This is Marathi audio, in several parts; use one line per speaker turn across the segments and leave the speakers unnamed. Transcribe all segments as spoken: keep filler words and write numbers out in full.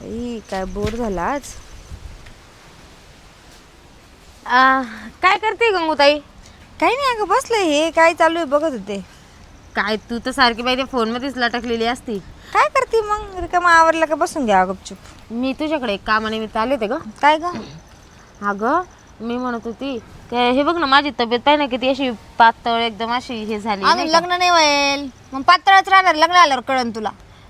बाई काय बोर झाला आज.
आ, काय करते गंगूताई?
काही नाही अगं बसले, हे काय चालू आहे बघत होते.
काय तू तर सारखी बाई फोन मध्येच लटकलेली असती.
काय करते मग, रिकामा आवरला का बसून घ्या गपचूप.
मी तुझ्याकडे एक कामानिमित्त आले होते ग.
काय ग?
अगं मी म्हणत होती काय, हे बघ ना माझी तब्येत पाहिजे ना किती अशी पातळ एकदम अशी हे झाली
अजून
नाही का?
लग्न नाही व्हायल मग पातळच राहणार, लग्न आल्यावर कळन तुला.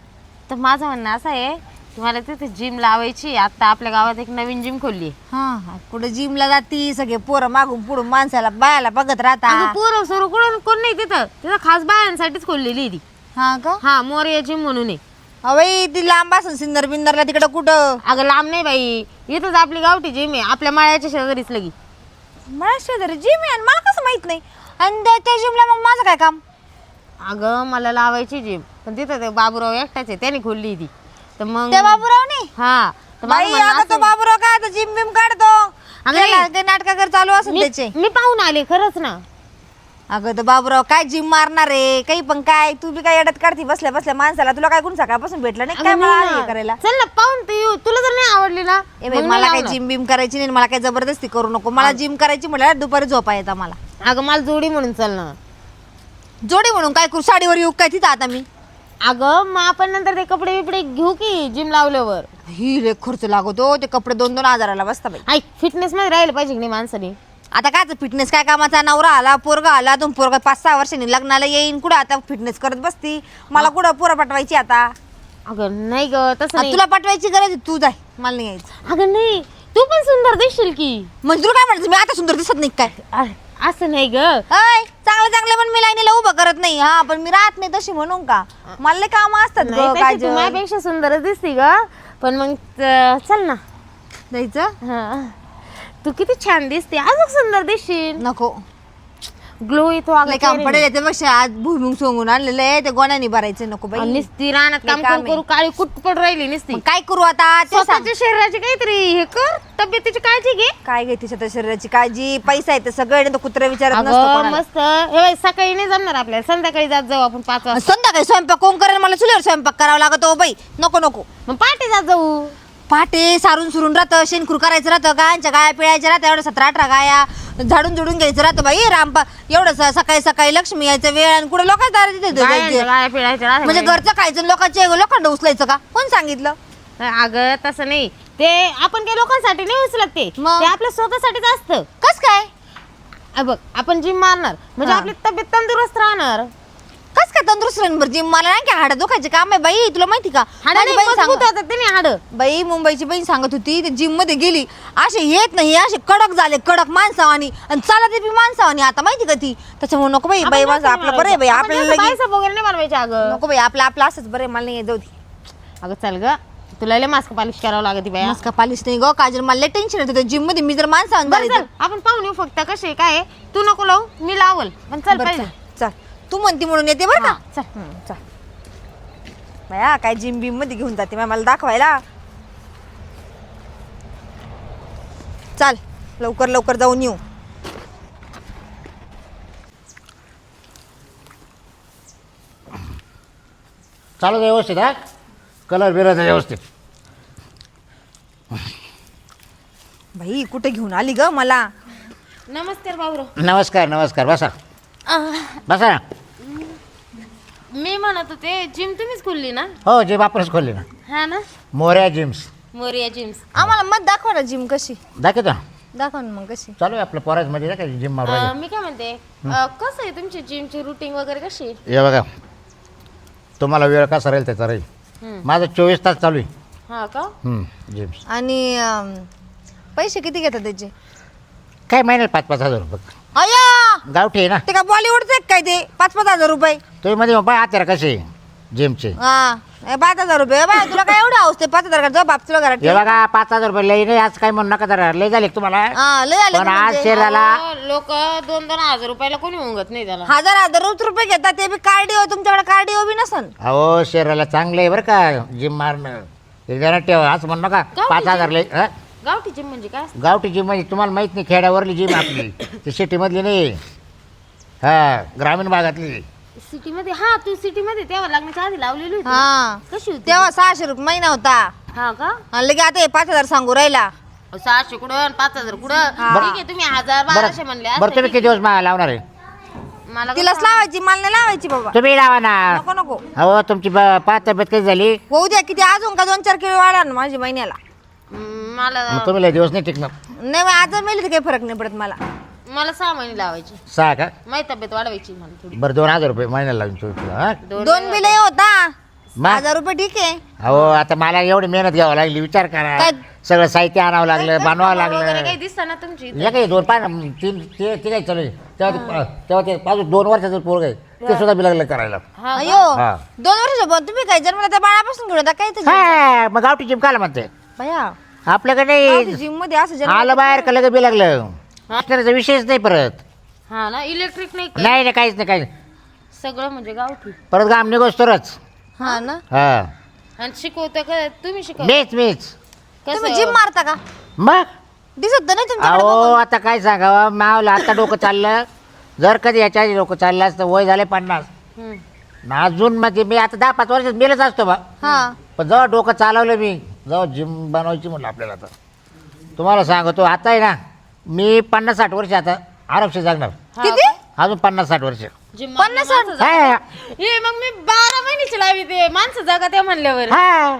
तर माझं म्हणणं असं आहे की मला तिथे जिम लावायची. आता आपल्या गावात एक नवीन जिम खोलली.
हा हा, कुठे जिमला जाती, सगळे पोरं मागून पुढून माणसाला बायाला बघत राहता.
पोरं सोरं कोण कोण नाही तिथं, तिथं खास बायांसाठीच खोललेली आहे ती.
हा का?
हा, मोरया जिम म्हणून आहे.
अवई ती लांब असून सिंदर बिंदरला तिकडं कुठं.
अगं लांब नाही बाई, इथंच आपली गावठी जिम आहे, आपल्या माळ्याच्या शेजारीच लगी.
मला शेजारी जिम आहे आणि मला कसं माहित नाही. आणि त्या- त्या जिमला मग माझं काय काम?
अगं मला लावायची जिम, पण तिथं ते बाबूराव एकटाच आहे, त्याने खोलली ती. तर मग
त्या बाबूरावने?
हा तर माझं
बाई
म्हणणं
आता
असं
तो
आहे-
बाबूराव काय आता जिम बिम काढतो.
अगं
त्याला
नाही.
ते नाटकाकर चालू असेल
मी
त्याचे.
मी पाहून आले खरंच ना.
अगं तर बाबूराव काय जिम मारणार आहे, काही पण काय. तू बी काय अडत काढती बसल्या बसल्या माणसाला. तुला काय कोण सकाळपासून भेटलं नाही काय
अगं
मला
नाही
हे
ना.
करायला.
चल ना पाहून ते येऊ. तुला जर नाही आवडली ना
ए
मग
बाई
नाही
मला काय
लावणार.
जिम बिम करायची नाही, मला काय जबरदस्ती करू नको. मला जिम करायची म्हटलं दुपारी झोपा येतं मला.
अगं मला जोडी म्हणून चल ना.
जोडी म्हणून काय करू, साडीवर येऊ काय तिथं आता मी.
अगं मग आपण नंतर ते कपडे बिपडे घेऊ की जिम लावल्यावर.
ही लय खर्च लागतो, ते कपडे दोन दोन हजाराला बसता बाई.
ऐक, फिटनेस मध्ये राहिलं पाहिजे की नाही माणसाने.
आता काय फिटनेस काय कामाचा. नवरा आला, पोरगा आला, तुम पोरगा पाच सहा वर्षांनी लग्नाला येईन, कुठं आता फिटनेस करत बसती. मला कुठं पोरं पाठवायची आता.
अगं नाही ग तसं
आता
नाही.
तुला पाठवायची गरज आहे, तू जाय, मला नाही यायचं.
अगं नाही, तू पण सुंदर दिसशील की.
म्हणजे तुला काय म्हणायचं, मी आता सुंदर दिसत नाही काय?
अ- असं नाही ग.
अय चांगलं चांगलं पण मी लाईनीला उभं करत नाही. हा पण मी राहत नाही तशी म्हणून का, मला लय काम असतात
नाही,
ग.
तशी
काय
तू माझ्यापेक्षा सुंदरच दिसती ग. पण मग च- चल ना.
जायचं?
हा. तू किती छान दिसते, अजून सुंदर दिसशील.
नको,
ग्लो येतो
लय काम पडेल त्यापेक्षा आज भुईमुग सोंगून आणलेलं आहे, ते गोण्याने भरायचं. नको बाई,
निस्ती रानात काम
लय काम
करू करू काळी कुट पड राहिली निसती.
मग काय करू आता ते सांग.
स्वतःच्या शरीराची काहीतरी हे कर, तब्येतीची काळजी घे.
काय घे तिच्या शरीराची काळजी, पैसा आहे तर सगळं नाही तर कुत्रा विचारत नसतो
अगं
कोणाला.
मस्त. हे बाई, सकाळी नाही जमणार आपल्याला, संध्याकाळी जात जाऊ आपण पाच वाजता.
संध्याकाळी स्वयंपाक कोण करेल, मला चुलीवर स्वयंपाक करावा लागतो बाई. नको नको,
मग पहाटे जात जाऊ.
पहाटे सारून सुरून राहतं, शेणखूर करायचं राहतं, गायांच्या गाया पिळायच्या राहतं, एवढं सतरा अठरा गाया झाडून झुडून घ्यायचं राहतं बाई. रामपा एवढं स- सकाळी सकाळी लक्ष्मी यायचं वेळ आणि कुठे लोकांच्या दारात तिथे
गायांच्या
जायचं.
गाया पिळायच्या राहत्या
म्हणजे
बाई.
घरचं खायचं, लोकांचे लोखंड उचलायचं का, कोण सांगितलं?
अगं तसं नाही, ते आपण काही लोकांसाठी नाही उचलत, ते
मग?
ते आपल्या स्वतःसाठीच असतं.
कस काय?
अ बघ, आपण जिम मारणार म्हणजे
हा.
आपली तब्येत तंदुरुस्त राहणार.
कस काय तंदुरुस्त राहणार जिम? मला नाही का हाडं दुखायचे काम आहे बाई, तुला माहिती का? माझी बहीण सांग-
त्याने हाड.
बाई मुंबईची बहीण सांगत होती, ते जिम मध्ये गेली, असे येत नाही, असे कडक झाले, कडक माणसावानी, आणि चालत बी माणसावानी. आता माहिती का ती, त्याच्यामुळे नको बाई. बाई माझं आपलं बरं आहे बाई, आपल्याला लगेच-
वगैरे नाही बनवायचे. अगं
नको बाई, आपलं आपलं असंच बरं आहे, मला नाही जाऊ दे.
अगं चल ग, तुला लय मास्क पॉलिश करावं लागत बाई.
मस्का पालिश नाही ग काजल, मला लय टेन्शन येतं जिम मध्ये. मी जर माणसावानी
बरं
झाले
चल, आपण पाहून येऊ फक्त कसे काय आहे. तू नको लावू, मी लावल, पण चल
तर-
पाहिजे.
चल, चल. तू म्हणती म्हणून येते बरं का.
हा, चल.
हं, चल बाया, काय जिम बिम मध्ये घेऊन जाते बाई मला दाखवायला. चाल लवकर लवकर जाऊन येऊ.
चालू दे व्यवस्थित. हा कलर बिराचा व्यवस्थित.
बाई कुठे घेऊन आली ग मला.
नमस्कार बाबूराव.
नमस्कार नमस्कार. बसा
अह,
बसा ना.
मी म्हणत होते जिम तुम्हीच खोलली ना?
हो जिम आपणच खोलली ना,
हा ना,
मोर्या जिम्स.
मोरिया जिम्स.
आम्हाला मत दाखवा ना जिम कशी.
दाखवतो ना.
दाखवा ना मग कशी.
चालू आहे आपलं पोराज मध्ये ना काय जिम मारू
अह, मी काय म्हणते, अह, कसं आहे तुमची जिमची रुटीन वगैरे कशी आहे?
हे बघा, तुम्हाला वेळ कसा राहील त्याचा राहील.
हम्म.
माझं चोवीस तास चालू आहे
हा का?
जिम्स.
आणि अं, पैसे किती घेतात त्याचे?
काय महिन्याला पाच पाच हजार रुपये.
अय्या,
गावठी आहे ना.
ते का बॉलिवूडचे काय ते पाच पाच हजार रुपये?
तुम्ही मध्ये बाय आता कसे जिमचे.
हा ए, पाच हजार रुपये बाय, तुला काय एवढं हौस ते पाच हजार का? बाप तुला घरात
हे
ठेव.
बघा पाच हजार रुपये लई नाही, आज काय म्हणू नका जरा, लई झाले का तुम्हाला.
हा लय आले
पण
ते
आज
म्हणजे.
शरीराला
लोक दोन दोन हजार रुपयाला कोणी उंगत नाही त्याला.
हजार हजार रोज रुपये घेतात, ते बी कार्डिओ. तुमच्याकडे कार्डिओ बी नसन.
अहो शरीराला चांगलं आहे बरं का जिम मारणं. हे जरा ठेवा असं म्हणू नका. पाच हजार लई हं?
गावठी जिम म्हणजे काय?
गावठी जिम म्हणजे तुम्हाला माहित नाही, खेड्यावरली जिम आपली ती सिटीमधली नाही. हा ग्रामीण भागातली.
सिटी मध्ये? हा, तू सिटी मध्ये तेव्हा लग्नाच्या आधी लावलेली होती.
हा
कशी होती?
तेव्हा सहाशे रुपये महिना होता.
हा का
आणि लगे आता हे पाच हजार सांगू राहिला.
अहो, सहाशे कुठं आणि पाच हजार कुठं ठीक आहे तुम्ही हजार बाराशे म्हणले
बरं बरं तुम्ही किती दिवस मा- लावणार आहे
मला
तिलाच लावायची, मला नाही लावायची बाबा.
तुम्ही लावा ना.
नको नको
हो तुमची ब- पाच तब्येत कधी झाली
होऊ द्या, किती अजून का दोन चार किलो वाढा ना माझी महिन्याला.
हम्म, मला
मग तुम्ही लय दिवस नाही टिकणार.
नाही मग आज मेली तर काही फरक नाही पडत मला.
मला सहा महिने लावायची
सहा का
माझी तब्येत वाढवायची मला थोडी
बरं दोन हजार रुपये महिन्याला लावून चोवीस हा
दोन बिल होता
मग?
हजार रुपये ठीक आहे.
अहो आता मला एवढी मेहनत घ्यावं लागली विचार करा.
काय?
सगळं साहित्य आणावं लागलं बनवावं
वगैरे
लागलं.
काही दिसतं ना तुमची
या काही दोन पाच तीन ते ते काही चालू आहे. तेव्हा ते- तेव्हा ते पाच दोन वर्षाचं पोरग आहे ते सुद्धा बी लागलं करायला.
हा
अयो
हा.
दोन वर्ष पण तुम्ही काय जन्मला त्या बाळापासून घेऊन आता काय ते
हा मग गावठी जिम काला म्हणते
भया
आपल्याकडे
जिम मध्ये असं जन्म
आलं बाहेर का लगेच बी लागलं त्याचा विषयच नाही परत.
हा ना इलेक्ट्रिक नाही का?
नाही नाही काहीच नाही काहीच नाही.
सगळं म्हणजे गावठी
परत गाम निघोस तरच
हा ना.
हा
आणि शिकवता का तुम्ही शिकव
मीच मीच
तुम्ही जिम मारता का?
मग
दिसत तर नाही तुमच्याकडे
अहो
बघून.
आता काय सांगावं मावलं आता डोकं चाललं जर कधी याच्या आधी डोकं चाललं असतं वय झाले पन्नास
हम्म.
ना अजून म्हणजे मी आता दहा पाच वर्षात मेलच असतो बा.
हा
पण जेव्हा डोकं चालवलं मी जेव्हा जिम बनवायची म्हणलं आपल्याला आता तुम्हाला सांगतो आता आहे ना मी पन्नास साठ वर्ष आता आरामशीर जगणार.
हा
किती?
का?
अजून पन्नास साठ वर्ष
जिम
पन्नास
माणसं
साठ?
जगा-
हा
हे मग मी बारा महिन्याची लावी ते माणसं जगा त्या म्हणल्यावर
हा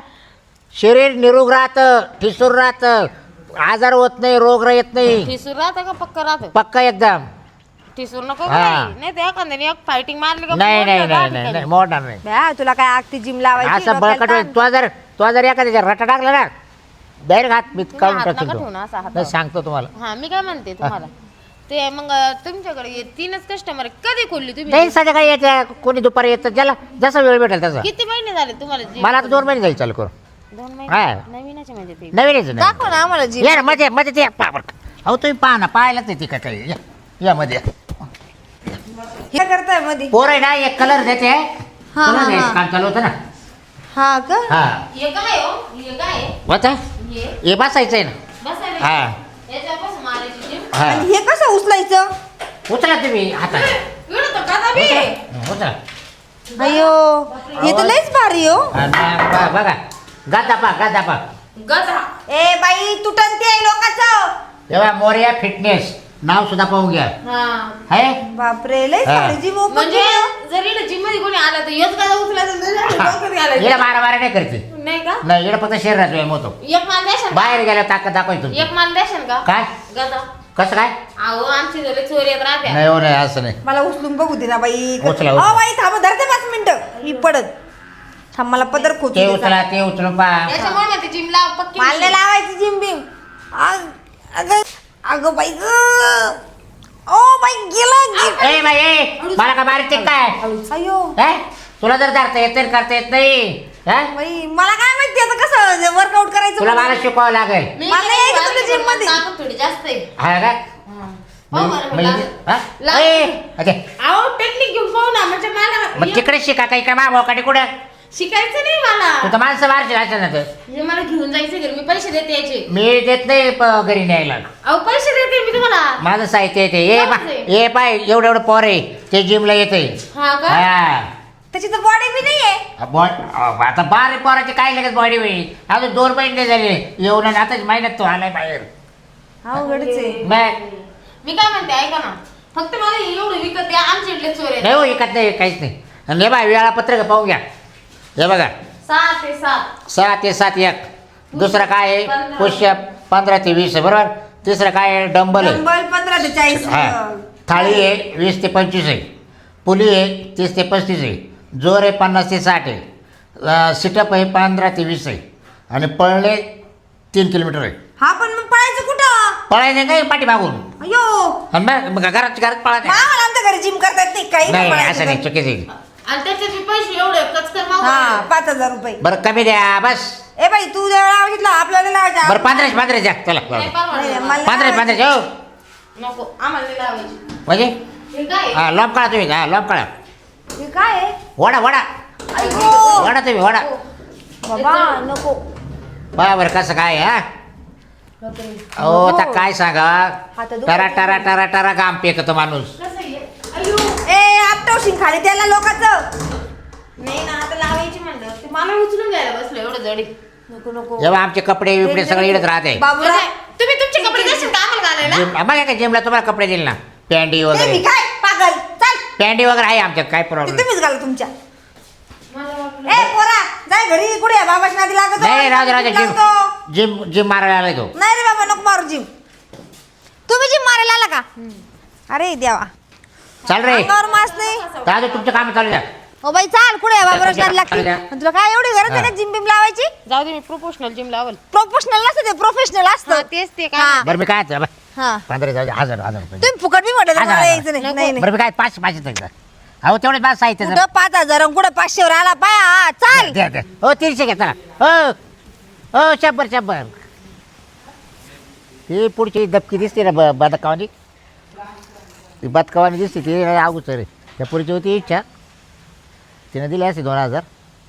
शरीर निरोग राहतं ठिसूर राहतं आजार होत नाही रोग येत नाही
ठिसूर राहतं का पक्का राहतं
पक्का एकदम.
ठिसूर नको
हा.
बाई. नाही ते एखाद्याने एक फायटिंग मारली का
नाही नाही
मोडतं
नाही
दहा
नाही
ठिकाणी.
नाही मोडणार नाही.
भया तुला काय आगती जिम लावायची
असं
डोक्याला
बळकट
ताण.
तो जर तो जर एखाद्याच्या रटा टाकला ना डायरेक्ट हात मी काढून
हात
टाकतो
नका
तो.
ठेवू ना, असा हात
नाही सांगतो तुम्हाला.
हा मी काय म्हणते तुम्हाला ते मग तुमच्याकडे हे तीनच कस्टमर कधी खोलली तुम्ही
नाही संध्याकाळी येते कोणी दुपारी येतं ज्याला जसा वेळ भेटेल तसा.
किती महिने झाले तुम्हाला gym
मला आता दोन महिने जाईल चालू करू
दोन
हा.
महिने नवीनच म्हणजे ते
नवीन यायचं नाही
दाखव ना आम्हाला जिम.
या ना मध्ये मध्ये ते पावर अहो तुम्ही पहा ना पाहायलाच येते का काही या या मध्ये या.
हे करताय मध्ये.
पोर आहे ना एक कलर देते
हा,
कलर
हा,
द्यायचं
हा.
काम चालू होतं ना.
हा का?
हा
हे काय हो हे काय
होता
हे
हे बसायचं आहे ना.
बसायला
हा
याच्यापासून मारायची जिम
हा
आणि हे कसं उचलायचं?
उचला तुम्ही हातात
एवढं तर कदा बी
उचला उचला.
अयो हे तर लयच भारी हो.
हा, ना, बा- बघा गादा पा गादा पा
गधा
ए बाई तुटन ते लोकांचं.
तेव्हा मोर्या फिटनेस नाव सुद्धा पाहून घ्या
हा
आहे
बापरे लयच
हा.
भारी जिम ओपन
म्हणजे
केलं.
जर इकडे जिम मध्ये कोणी आला तर हेच गधा उचलायचं डोक्यात
येडा
घालायचं.
बारा बारा नाही करते
नाही का
नाही येडा फक्त शरीराचा व्यायाम होतो.
एक माल द्याशन का?
बाहेर गेल्यावर ताकद दाखवायची तुमची.
एक माल द्याशन का
काय
गधा
कसं काय
अहो आमची झाले चोरी येत राहत्या
नाही हो नाही असं नाही
मला उचलून बघू दे ना बाई.
उचला,
अहो
उचला.
बाई थांबा धरते पाच मिनिटं मी पडत. थांब मला पदर खोचू
ते
दे.
उचला ते उचलून पा
त्याच्यामुळे म्हणते जिम लाव पक्की
मला नाही लावायची जिम बिम. आग- अगं अगं बाई ग. ओ बाई गेलं गे-
ए बाई ए, मला का बारीक ते काय
अयो
हे? तुला जर धरता येत नाही करता येत नाही हे?
बाई मला काय माहिती आता कसं वर्कआउट करायचं
तुला मला
म्हणून.
शिकवावं लागेल
मी
मला
किती
यायचं
वाजले
तुला gym
पण
मध्ये.
ताकद थोडी जास्त आहे
हा का
हो बरं,
म्हणजे-
लागेल.
हा?
लागेल.
ए, अरे,
अहो टेक्निक घेऊन पाहू ना म्हणजे मला
मग तिकडे शिका काही का मागोकाठी कुठं
शिकायचं नाही मला
तू तर माणसं मारशील अशा ना तर
म्हणजे मला घेऊन जायचं घरी मी पैसे देते याचे
मी देत नाही प- घरी न्यायला
अहो पैसे देते मी तुम्हाला
माझं साहित्य येते ए बा ए पाय एवढं एवढं पोर आहे ते जिमला येते
हा का
हा
त्याची तर बॉडी बी नाहीये.
बॉ- आता बारा पोराची काय लगेच बॉडी होईल अजून दोन महिने झाले येऊन आणि आताच महिन्यात तो आलाय बाहेर
अवघडच आहे.
मग
मी काय म्हणते ऐका ना फक्त मला हे एवढं विकत द्या आमच्या इथले चोर आहेत
नाही हो विकत नाही काहीच नाही आणि हे बाय वेळापत्रक पाहून घ्या हे बघा
सहा ते सात
सहा ते सात एक दुसरं काय आहे पुष्य पंधरा ते वीस आहे बरोबर तिसरं काय आहे डंबल आहे
डंबल पंधरा ते चाळीस.
हा थाळी आहे वीस ते पंचवीस आहे पुली आहे तीस ते पस्तीस आहे जोर आहे पन्नास ते साठ आहे सिटअप आहे पंधरा ते वीस आहे आणि पळणे तीन किलोमीटर आहे
हा पण मग पळायचं कुठं?
पळायचं काय पाठी मागून
अयो
आणि मग मग घरात घरात पळायचं
आम्हाला आमच्या घरी जिम करतात नाही काही
नाही
पळायचं
असं नाही
तर.
चुकीचं आहे.
आणि त्याचे पैसे एवढे कचकर
हा
मागू
पाच हजार रुपये.
बरं कमी द्या बस
ए बाई तू जेव्हा लावायची आपल्याला लावायचं.
बरं पंधराशे पंधराशे द्या चला
नाही, परवडलं.
नाही, मला
पंधराशे पंधराशे हो
नको आम्हाला नाही लावायची
म्हणजे
हे काय
हा लॉब काढा तुम्ही हा लॉब काढा
हे काय आहे?
वडा वडा
अयो
वडा तुम्ही वडा
बाबा नको.
बा बरं कसं काय हा अहो आता काय सांगा
आता दुखत
टरा टरा टरा टरा गाम पेकतो माणूस
कसं आहे अयो
ए आपटवशील खाली त्याला लोकांचं.
नाही ना आता लावायची म्हणलं ते मला उचलून घ्यायला बसलं एवढं जडी
नको नको
जेव्हा आमचे कपडे बिपडे सगळे इकडे राहते
बाबूराव
तुम्ही तुमचे कपडे देशील का आम्हाला घालायला?
जिम बघा का जिमला तुम्हाला कपडे दिले ना पॅन्टी
ते
वगैरे
मी काय पागल चल
पॅन्टी वगैरे आहे आमच्यात काय
ते
प्रॉब्लेम
तुम्हीच घाला तुमच्या ए पोरा जाय घरी कुठे आहे? बाबाची नादी लागत
नाही नाही, राहू दे राहू दे जिम
लागतो.
जिम जिम मारायला आलाय तो
नाही रे बाबा नको मारू जिम तुम्ही जिम मारायला आला का अरे देवा
चाल रे
अंगावर मास नाही
दादा तुमचं काम चालू द्या
ओ बाई चाल कुठे आहे? बाबा नादी लागते
चाल द्या.
पण तुला काय एवढी गरज आहे का जिम बिम लावायची?
जाऊ दे मी प्रोफेशनल जिम लावल.
प्रोफेशनल नसतं ते प्रोफेशनल
हा,
असतं
तेच ते
हा.
काय
बरं मी काय आता,
हा
पंधरा जाऊ दे, हजार हजार रुपये
तुम्ही फुकट बी म्हटलं तर
हजार,
मला
हजार.
यायचं नाही. नाही नाही
बरं मी काय पाच पाच येतं अहो तेवढेच माझं साहित्य
कुठं पाच हजार आणि कुठं पाचशेवर आला पाय हा, चाल
द्या द्या हो तीनशे घ्या चला हो हो शंभर शंभर ती पुढची दबकी दिसते ना ब बदकावानी ती बदकावानी दिसते ती अगोदर रे त्या पुढची होती इच्छा तिने दिली असते दोन हजार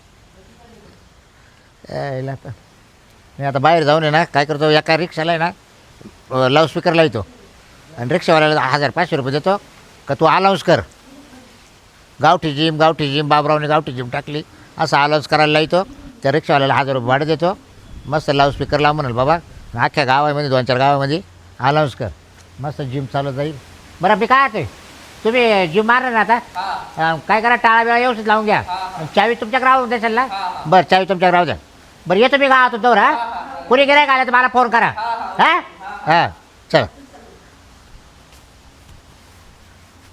यायला आता मी आता बाहेर जाऊन आहे ना काय करतो एका रिक्षाला आहे ना लाऊडस्पीकर लावतो आणि रिक्षावाल्याला हजार पाचशे रुपये देतो का तू अलाउन्स कर गावठी जिम गावठी जिम बाबरावने गावठी जिम टाकली असं अलाउन्स करायला लावतो त्या रिक्षावाल्याला हजार रुपये भाडं देतो मस्त लाऊडस्पीकर लाव म्हणाल बाबा अख्ख्या गावामध्ये दोन चार गावामध्ये अलाउन्स कर मस्त जिम चालू जाईल बरं मी काय आहे तुम्ही जिम मारणार ना आता अं, काय करा टाळा बिळा व्यवस्थित लावून घ्या चावी तुमच्याकडे राहून द्याल ना बरं चावी तुमच्याकडे राहू द्या बरं येतो मी गावातून दौर हा कुणी गिरायक आलं तर मला फोन करा हां हां चल